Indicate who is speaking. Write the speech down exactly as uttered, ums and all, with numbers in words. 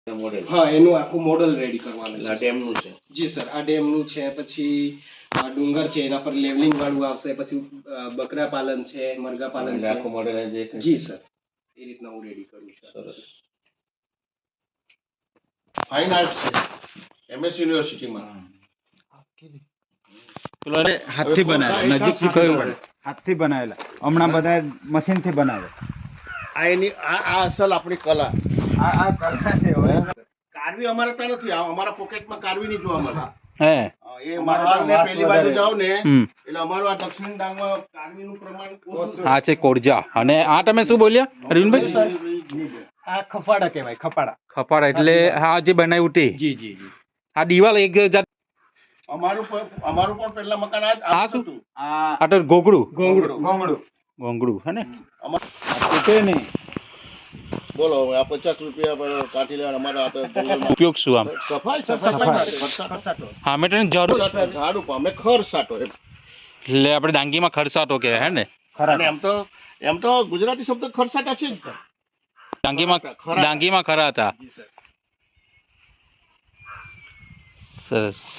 Speaker 1: Model
Speaker 2: હા એનું આખું મોડલ રેડી કરવાનું
Speaker 1: આ ડેમનું છે
Speaker 2: જી સર આ ડેમનું છે પછી આ ડુંગર છે એના પર લેવલિંગ વાળું આવશે પછી અ, બકરા પાલન છે મરઘા પાલન
Speaker 1: એટલે
Speaker 2: છે
Speaker 1: આખું મોડેલ
Speaker 2: જી સર એ રીતના હું રેડી કરું છું
Speaker 1: સરસ ફાઇન આર્ટ છે એમએસ યુનિવર્સિટીમાં
Speaker 3: પેલો હાથથી બનાવેલા નજીકથી કયું પડે હાથથી બનાવેલા હમણાં બધા મશીનથી બનાવે
Speaker 1: આ એની આ આ અસલ આપણી કલા
Speaker 3: આ આ કલા છે હવે.
Speaker 1: કારવી અમારે ત્યાં નથી આ અમારા પોકેટમાં કારવી નહીં જોવા મળે
Speaker 3: હે
Speaker 1: હા, એ મહારાજને પેલી બાજુ જાવ ને
Speaker 3: હમ
Speaker 1: એટલે અમારું આ દક્ષિણ ડાંગમાં કારવીનું પ્રમાણ ઓછું
Speaker 3: આ છે કોરજા અને આ તમે શું બોલ્યા અરવિંદભાઈ
Speaker 2: આ ખફાડા કહેવાય ખફાડા
Speaker 3: ખપાડા એટલે આ જે બનાવ્યું તે
Speaker 2: જી જી જી
Speaker 3: આ દિવાલ એક જાત
Speaker 1: અમારું પણ અમારું પણ પહેલા મકાન આ જ
Speaker 3: આ
Speaker 1: આ
Speaker 3: શું?
Speaker 1: હતું
Speaker 3: આ તો ગોગડું
Speaker 2: ગોંગડું
Speaker 3: ગોંગડું ગોંગડું હે ને
Speaker 1: અમાર-
Speaker 3: તૂટે નહીં
Speaker 1: બોલો હવે આ પચાસ રૂપિયા પર કાઢી લેવા અમારા આ તો જંગલમાં
Speaker 3: ઉપયોગ શું આમ
Speaker 1: સફાઈ સફાઈ માટે ખર્ચાટો.
Speaker 3: હા મેં તને જરૂર
Speaker 1: ઝાડ ઉપર અમે ખર સાટો એમ.
Speaker 3: એટલે આપણે ડાંગીમાં ખરસાટો કે હે ને
Speaker 1: અને એમ તો એમ તો ગુજરાતી શબ્દ ખરસાટા છે જ
Speaker 3: ડાંગીમાં
Speaker 1: ખરા.
Speaker 3: ડાંગીમાં ખરા હતા
Speaker 2: જી સર
Speaker 3: સરસ